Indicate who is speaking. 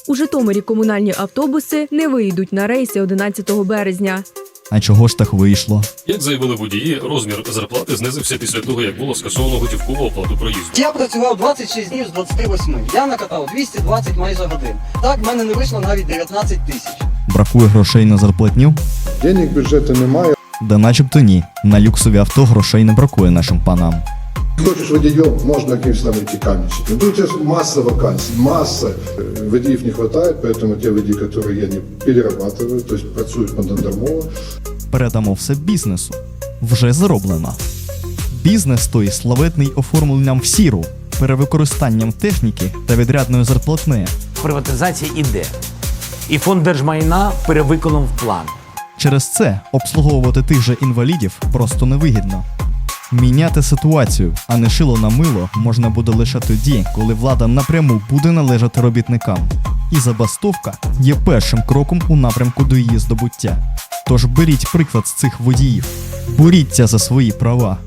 Speaker 1: У Житомирі комунальні автобуси не вийдуть на рейси 11 березня.
Speaker 2: А чого ж так вийшло?
Speaker 3: Як заявили водії, розмір зарплати знизився після того, як було скасовано готівкову оплату проїзду.
Speaker 4: Я працював 26 днів з 28. Я накатав 220 майже годин. Так, в мене не вийшло навіть 19 тисяч.
Speaker 2: Бракує грошей на зарплатню?
Speaker 5: Денег бюджету немає.
Speaker 2: Да начебто ні. На люксові авто грошей не бракує нашим панам.
Speaker 5: Хочеш водієм, можна якимось там идти каменщиком. Тут сейчас масса вакансий, масса. Водіїв не хватает, поэтому те водії, которые я не перерабатываю, то есть працюють понаднормово.
Speaker 2: Передамо все бізнесу. Вже зроблено. Бізнес той славетний оформленням в сіру, перевикористанням техніки та відрядною зарплатнею.
Speaker 6: Приватизація іде. І фонд держмайна перевиконав план.
Speaker 2: Через це обслуговувати тих же інвалідів просто невигідно. Міняти ситуацію, а не шило на мило, можна буде лише тоді, коли влада напряму буде належати робітникам. І забастовка є першим кроком у напрямку до її здобуття. Тож беріть приклад з цих водіїв. Боріться за свої права.